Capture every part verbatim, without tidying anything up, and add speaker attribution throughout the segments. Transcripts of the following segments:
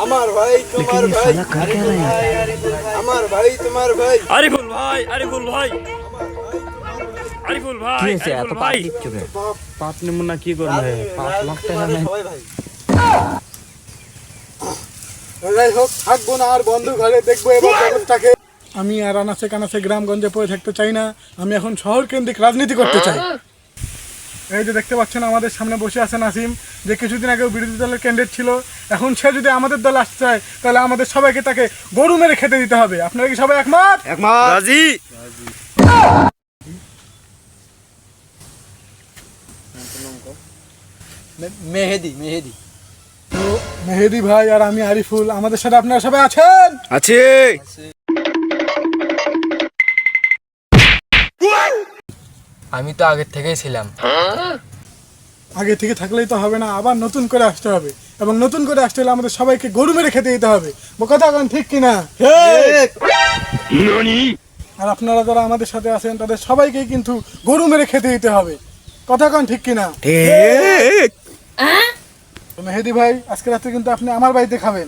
Speaker 1: আমার ভাই তোমার ভাই আমার ভাই তোমার ভাই
Speaker 2: আরিফুল ভাই আরিফুল ভাই আরিফুল ভাই
Speaker 3: কি হয়েছে এত
Speaker 2: ভাই
Speaker 3: পাপ চোখে?
Speaker 2: পাঁচ নমুনা কি করবে পাঁচ লাখ টাকা নেই
Speaker 1: সবাই ভাই যাই হোক থাকবো না আর বন্ধু ঘরে দেখবো এবার জগৎটাকে। আমি আর আনাচে কানাচে গ্রামগঞ্জে পড়ে থাকতে চাই না, আমি এখন শহর কেন্দ্রিক রাজনীতি করতে চাই। এই যে দেখতে পাচ্ছেন আমাদের সামনে বসে আছে নাসিম, যে কিছুদিন আগেও বিরোধী দলের ক্যান্ডিডেট ছিল, এখন সে যদি আমাদের দলে আসতে চায় তাহলে আমাদের সবাইকে তাকে গরু মেরে খেতে দিতে হবে। আপনারা কি সবাই একমত?
Speaker 2: একমত রাজি।
Speaker 3: মেহেদি মেহেদি
Speaker 1: তো মেহেদি ভাই আর আমি আরিফুল, আমাদের সাথে আপনারা সবাই আছেন?
Speaker 2: আছে।
Speaker 3: আমি তো আগের থেকেই ছিলাম।
Speaker 1: আগে থেকে থাকলেই তো হবে না, আবার নতুন করে আসতে হবে, এবং নতুন করে আসতে হলে আমাদের সবাইকে গরু মেরে খেতে দিতে হবে। কথা কোন ঠিক কিনা? আর আপনারা যারা আমাদের সাথে আছেন তাদের সবাইকেই কিন্তু গরু মেরে খেতে দিতে হবে। কথা কোন ঠিক কিনা? তো মেহেদি ভাই, আজকে রাতে কিন্তু আপনি আমার বাড়িতে খাবেন।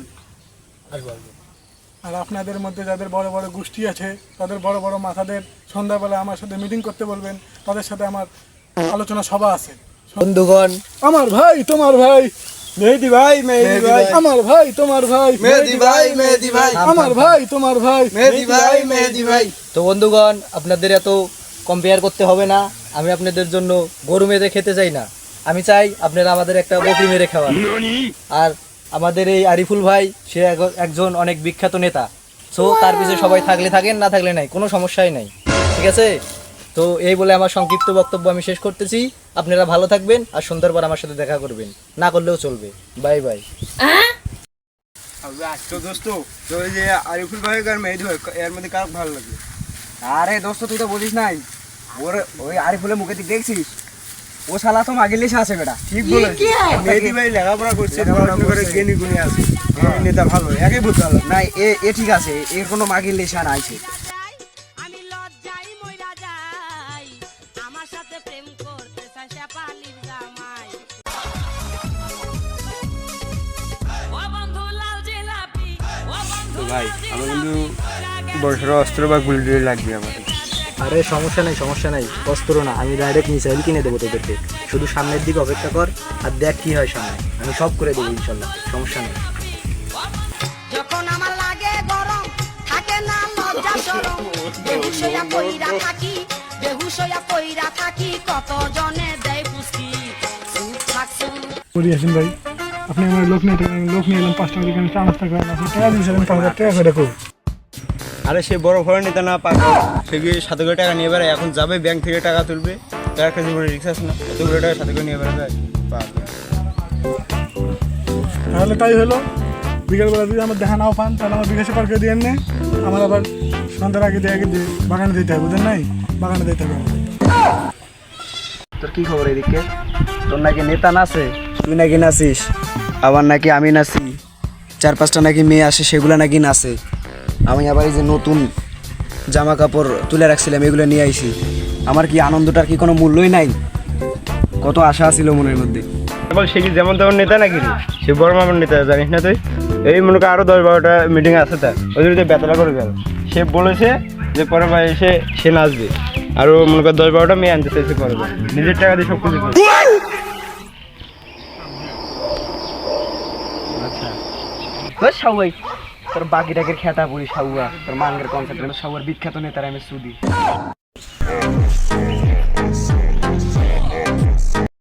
Speaker 1: আর আপনাদের মধ্যে যাদের বড় বড় গোষ্ঠী আছে, তাদের বড় বড় মাথাদের সন্ধ্যাবেলা আমার সাথে মিটিং করতে বলবেন, তাদের সাথে আমার আলোচনা সভা আছে।
Speaker 3: বন্ধুগণ,
Speaker 1: আমার ভাই তোমার ভাই
Speaker 3: মেহেদি ভাই মেহেদি ভাই
Speaker 1: আমার ভাই তোমার ভাই
Speaker 3: মেহেদি ভাই মেহেদি ভাই
Speaker 1: আমার ভাই তোমার ভাই
Speaker 3: মেহেদি ভাই মেহেদি ভাই। তো বন্ধুগণ, আপনাদের এত কম্পেয়ার করতে হবে না। আমি আপনাদের জন্য গরু মেরে খেতে চাই না, আমি চাই আপনারা আমাদের একটা বকরি মেরে খাওয়ান। আর আমাদের এই আরিফুল ভাই, সে এক- একজন অনেক বিখ্যাত নেতা। সো তার পিছনে সবাই থাকলে থাকেন, না থাকলে নাই, কোনো সমস্যাই নাই। ঠিক আছে? তো এই বলে আমার সংক্ষিপ্ত বক্তব্য আমি শেষ করতেছি। আপনারা ভালো থাকবেন, আর সন্ধ্যার পর আমার সাথে দেখা করবেন, না করলেও চলবে। Bye bye.
Speaker 4: তো দোস্ত, তো ওই যে আরিফুল ভাই আর মেহেদি ভাই, এর মধ্যে কার ভালো লাগে?
Speaker 3: আরে দোস্ত, তুই তো বলিস নাই, ওর ওই আরিফুলের মুখে তুই দেখছিস, ও শালা তো মাগের লিসে আছে বেটা।
Speaker 4: ঠিক বলেছিস, মেহেদি ভাই লেখাপড়া করছে, পড়াশোনা করে জ্ঞানী গুণী আছে, এই নেতা ভালো, একে বলতে ভালো।
Speaker 3: না, এ এ ঠিক আছে, এর কোনো মাগের লিসা নাই।
Speaker 5: আমি লজ্জায় মইরা যাই, আমার সাথে প্রেম করতে চাই সে পালির জামাই। ও বন্ধু লাল জিলাপি, ও বন্ধু
Speaker 4: ভাই আমার কিন্তু বড়সড় অস্ত্র বা গুলি টুলি লাগবে আমার।
Speaker 3: আরে সমস্যা নাই, সমস্যা নাই, অস্ত্র না, আমি ডাইরেক্ট মিসাইল কিনে দেবো তোদেরকে। শুধু সামনের দিকে অপেক্ষা কর, আর দেখ কি হয় সামনে, আমি সব করে দেবো ইনশাল্লাহ, সমস্যা নেই।
Speaker 5: যখন আমার লাগে গরম, থাকে না লজ্জা শরম, বেহুশ হইয়া কইরা থাকি, বেহুশ হইয়া কইরা থাকি, কত জনে দেয় পুষ্টি। চুপ থাক চুপ।
Speaker 1: করি আসেন ভাই, আপনি আমার লোক নিয়ে লোক নিয়ে এলাম, পাঁচ টাকা দিয়ে চা নাস্তা করেন, আপনি টাকা দিয়েছিলেন পাঁচ হাজার টাকা করে রাখো।
Speaker 4: আরে সে বড় বড় নেতা না পাক, সে গিয়ে সাথে করে টাকা নিয়ে বেড়ায়, এখন যাবে ব্যাংক থেকে টাকা তুলবে, তার একটা জীবনে রিক্স আছে না, এতগুলো টাকা সাথে করে নিয়ে বেড়া যায়।
Speaker 1: তাহলে তাই হলো, বিকেলবেলা যদি আমার দেখা নাও পান তাহলে আমার বিকাশে পার্কে দিয়ে নে, আমার আবার সন্ধ্যার আগে দিয়ে আগে দিয়ে বাগানে দিতে হবে, বুঝলেন নাই? বাগানে দিতে হবে।
Speaker 3: তোর কি খবর এদিকে? তোর নাকি নেতা নাচে, তুই নাকি নাচিস,
Speaker 4: আবার নাকি আমি নাচি, চার পাঁচটা নাকি মেয়ে আসে, সেগুলো নাকি নাচে। আমি আবার এই যে নতুন জামা কাপড় তুলে রাখছিলাম, এগুলো নিয়ে আইছি। আমার কি আনন্দটার কি কোনো মূল্যই নাই? কত আশা ছিল মনের মধ্যে। এবার সে কি যেমন তেমন নেতা নাকি রে? সে বড় মামার নেতা, জানিস না তুই? এই মনে কর আরো দশ বারোটা মিটিং আছে, তার ওই জন্য বেতলা করে গেল। সে বলেছে যে পরে ভাই এসে সে নাচবে, আর ও মনে কর দশ বারোটা মেয়ে আনতে চাইছে পরে, নিজের টাকা দিয়ে সব কিছু করে।
Speaker 3: সবাই তোর বাকি টাকের খেতা পড়ি সাউয়া, তোর মাঙ্গের কনসেপ্ট সাউয়ার বিখ্যাত নেতার আমি সুদি।